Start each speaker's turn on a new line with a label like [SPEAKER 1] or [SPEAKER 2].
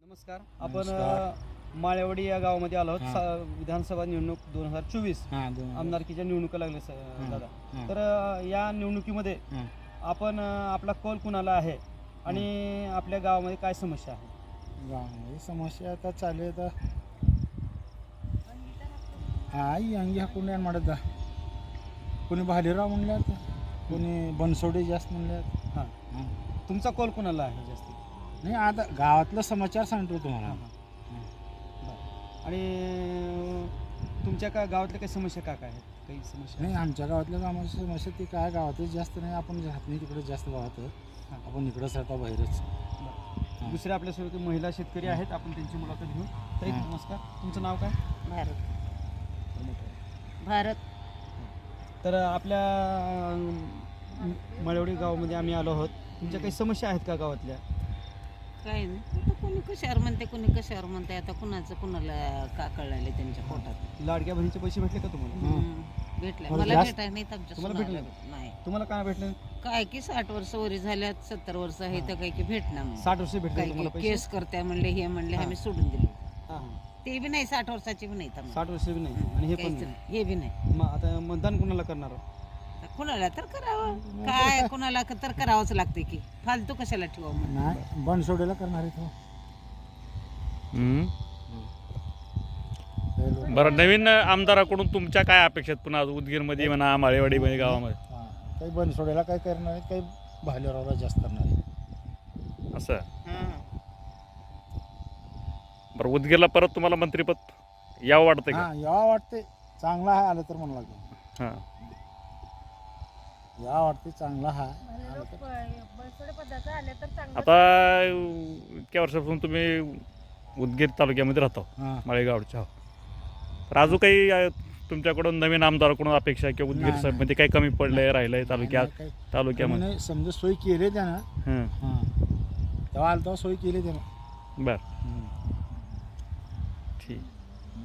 [SPEAKER 1] नमस्कार. आपण माळेवाडी या गावामध्ये आलो आहोत. विधानसभा निवडणूक 2024 आमदारकीच्या निवडणुका लागल्या दादा. तर या निवडणुकीमध्ये आपण आपला कौल कुणाला आहे आणि आपल्या गावामध्ये काय समस्या आहे?
[SPEAKER 2] गावामध्ये समस्या आता चालू आहे. आई अंगी हाकून म्हणत कोणी भालेराव म्हणल्यात, कोणी बनसोडे जास्त म्हणल्यात.
[SPEAKER 1] तुमचा कौल कुणाला आहे जास्त?
[SPEAKER 2] नाही, आता गावातलं समाचार सांगतो तुम्हाला.
[SPEAKER 1] आणि तुमच्या का गावातल्या काही समस्या काय आहेत? काही समस्या
[SPEAKER 2] नाही, आमच्या गावातल्या कामाची समस्या ती काय गावातच जास्त नाही. आपण राहत नाही तिकडे जास्त गावात, आपण इकडंच राहतो बाहेरच.
[SPEAKER 1] दुसऱ्या आपल्यासोबत महिला शेतकरी आहेत, आपण त्यांची मुलाखत घेऊ. ताई नमस्कार, तुमचं नाव काय?
[SPEAKER 3] भारत.
[SPEAKER 1] तर आपल्या मळेवाडी गावामध्ये आम्ही आलो आहोत. तुमच्या काही समस्या आहेत का गावातल्या?
[SPEAKER 3] काय नाही, आता कोणी कशावर म्हणते, कोणी कशावर म्हणते. आता कुणाचं कुणाला का कळले त्यांच्या पोटात.
[SPEAKER 1] लाडक्या बहिणीचे पैसे भेटले का तुम्हाला?
[SPEAKER 3] भेटले.
[SPEAKER 2] मला
[SPEAKER 3] मला
[SPEAKER 2] जास्त-
[SPEAKER 3] भेटाय नाहीत आमच्या
[SPEAKER 1] तुम्हाला
[SPEAKER 3] सुनाला.
[SPEAKER 1] भेटले?
[SPEAKER 3] नाही.
[SPEAKER 1] तुम्हाला काय भेटले?
[SPEAKER 3] काय की 60 वर्ष वरी झाल्यात, 70 वर्ष आहे तर काही की भेटणार नाही.
[SPEAKER 1] 60 वर्ष भेटले
[SPEAKER 3] काय
[SPEAKER 1] तुम्हाला
[SPEAKER 3] की
[SPEAKER 1] पैसे?
[SPEAKER 3] केस करत्या म्हणले, हे म्हणले, आम्ही सोडून दिले.
[SPEAKER 1] हां.
[SPEAKER 3] ते बी नाही, 60 वर्षाची बी नाही.
[SPEAKER 1] 60 वर्ष बी नाही आणि हे पण
[SPEAKER 3] काहीच
[SPEAKER 1] नाही.
[SPEAKER 3] नाही. हे बी नाही.
[SPEAKER 1] मग आता मतदान कुणाला करणार?
[SPEAKER 3] आता कुणाला तर करावं, काय कुणाला तर करावंच लागते की, फालतू कशाला ठेवा म्हणून.
[SPEAKER 2] नाही, बनसोडेला करणार आहे तो.
[SPEAKER 4] बरं, नवीन आमदाराकडून तुमच्या काय अपेक्षा आहेत? पुन्हा उदगीरमध्ये म्हणा, माळेवाडीमध्ये गावामध्ये
[SPEAKER 2] काही बनसोडेला काय करणार आहे, काही भालेरावला जास्त करणार आहे.
[SPEAKER 4] असं.
[SPEAKER 3] हां.
[SPEAKER 4] बरं, उदगीरला परत तुम्हाला मंत्रिपद यावं वाटतं का?
[SPEAKER 2] यावा वाटते, चांगला आहे आलं तर म्हणू लागतो.
[SPEAKER 4] हां.
[SPEAKER 2] या वाटते चांगला आहे.
[SPEAKER 4] आता इतक्या वर्षापासून तुम्ही उदगीर तालुक्यामध्ये राहता, माळेगावच्या. तर अजून काही तुमच्याकडून नवीन आमदाराकडून अपेक्षा आहे किंवा उदगीर
[SPEAKER 2] नाही.
[SPEAKER 4] मध्ये काही कमी पडलंय, राहिलंय तालुक्यामध्ये?
[SPEAKER 2] नाही, समजा सोय केली त्यानं. तेव्हा आलं तेव्हा सोय केली त्यानं.
[SPEAKER 4] बरं, ठीक.